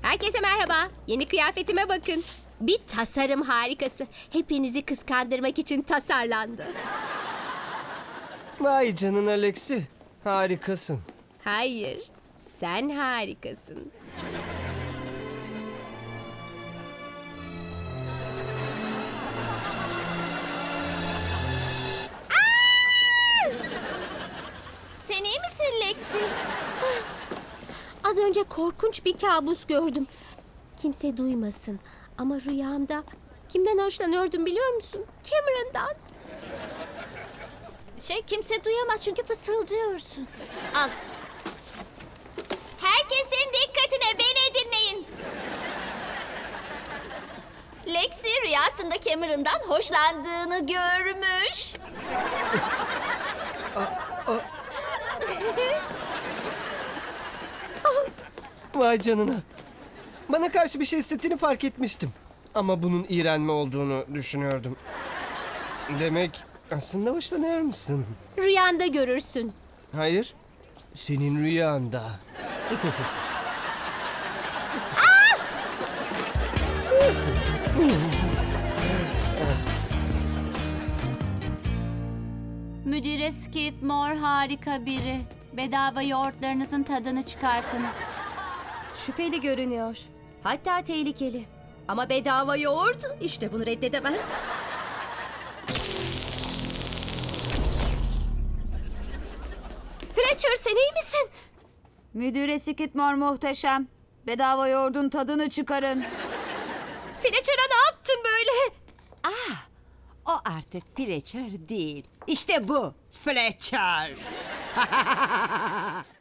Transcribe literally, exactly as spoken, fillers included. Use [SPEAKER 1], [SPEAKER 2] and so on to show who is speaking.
[SPEAKER 1] Herkese merhaba. Yeni kıyafetime bakın. Bir tasarım harikası. Hepinizi kıskandırmak için tasarlandı.
[SPEAKER 2] Vay canına Lexi. Harikasın.
[SPEAKER 1] Hayır, sen harikasın.
[SPEAKER 3] Sen iyi misin Lexi?
[SPEAKER 1] Az önce korkunç bir kabus gördüm. Kimse duymasın. Ama rüyamda kimden hoşlanıyordum biliyor musun? Cameron'dan.
[SPEAKER 3] Şey kimse duyamaz çünkü fısıldıyorsun. Al. Herkesin dikkatine, beni dinleyin. Lexi rüyasında Cameron'dan hoşlandığını görmüş.
[SPEAKER 2] Vay canına. Bana karşı bir şey hissettiğini fark etmiştim. Ama bunun iğrenme olduğunu düşünüyordum. Demek aslında hoşlanıyor musun?
[SPEAKER 1] Rüyanda görürsün.
[SPEAKER 2] Hayır. Senin rüyanda.
[SPEAKER 4] Müdüre Skidmore harika biri. Bedava yoğurtlarınızın tadını çıkartın.
[SPEAKER 5] Şüpheli görünüyor. Hatta tehlikeli. Ama bedava yoğurt, işte bunu reddedemem. Fletcher, sen iyi misin?
[SPEAKER 6] Müdüre Skidmore muhteşem. Bedava yoğurdun tadını çıkarın.
[SPEAKER 5] Fletcher'a ne yaptın böyle?
[SPEAKER 7] O artık Fletcher değil. İşte bu Fletcher.